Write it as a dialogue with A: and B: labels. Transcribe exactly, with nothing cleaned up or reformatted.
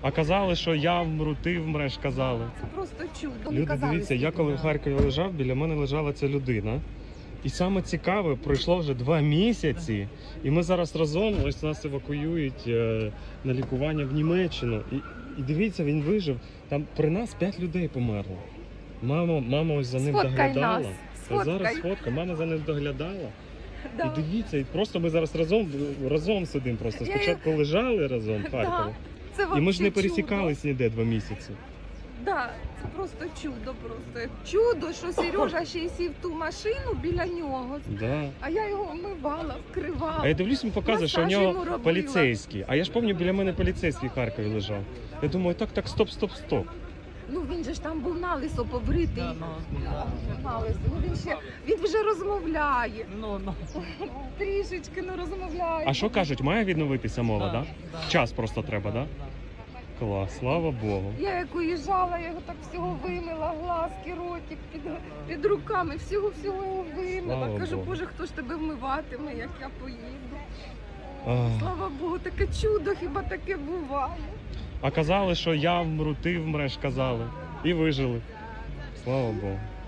A: А казали, що я вмру, ти вмреш, казали.
B: Це просто чудо.
A: Люди, дивіться, я коли в Харкові лежав, біля мене лежала ця людина. І саме цікаве, пройшло вже два місяці, і ми зараз разом, ось нас евакуюють е, на лікування в Німеччину. І, і дивіться, він вижив. Там при нас п'ять людей померло. Мама, мама ось за ним
B: Сфоткай
A: доглядала.
B: нас,
A: Та
B: сфоткай.
A: зараз фотка, мама за ним доглядала.
B: Да.
A: І дивіться, і просто ми зараз разом, разом сидимо просто.
B: Я-
A: Спочатку лежали разом в Харкові.
B: Це
A: І ми ж
B: вообще
A: не
B: чудо.
A: пересікались ніде два місяці.
B: Да, це просто чудо, просто чудо, що Сережа ще й сів в ту машину біля нього,
A: Да.
B: а я його вмивала, вкривала.
A: А я дивлюсь, він показує, що в
B: Масаж йому
A: нього
B: робила.
A: поліцейський. А я ж пам'ятаю, біля мене поліцейський в Харкові лежав. Я думаю, так, так, стоп, стоп, стоп.
B: Ну він же ж там був налисо побритий. Налисо. Ну він ще він вже розмовляє.
C: Ну, ну.
B: Трішечки ну розмовляє.
A: А що кажуть, має відновитися мова,
C: Да,
A: да?
C: да.
A: Час просто треба, да? Клас, слава Богу.
B: Я як уїжджала, я його так всього вимила, глазки, ротик під, під руками, всього-всього його вимила.
A: Слава
B: Кажу,
A: Богу.
B: Боже, хто ж тебе вмиватиме, як я поїду.
A: А,
B: Слава Богу, таке чудо, хіба таке буває.
A: а казали, що я вмру, ти вмреш, казали. І вижили. Слава Богу.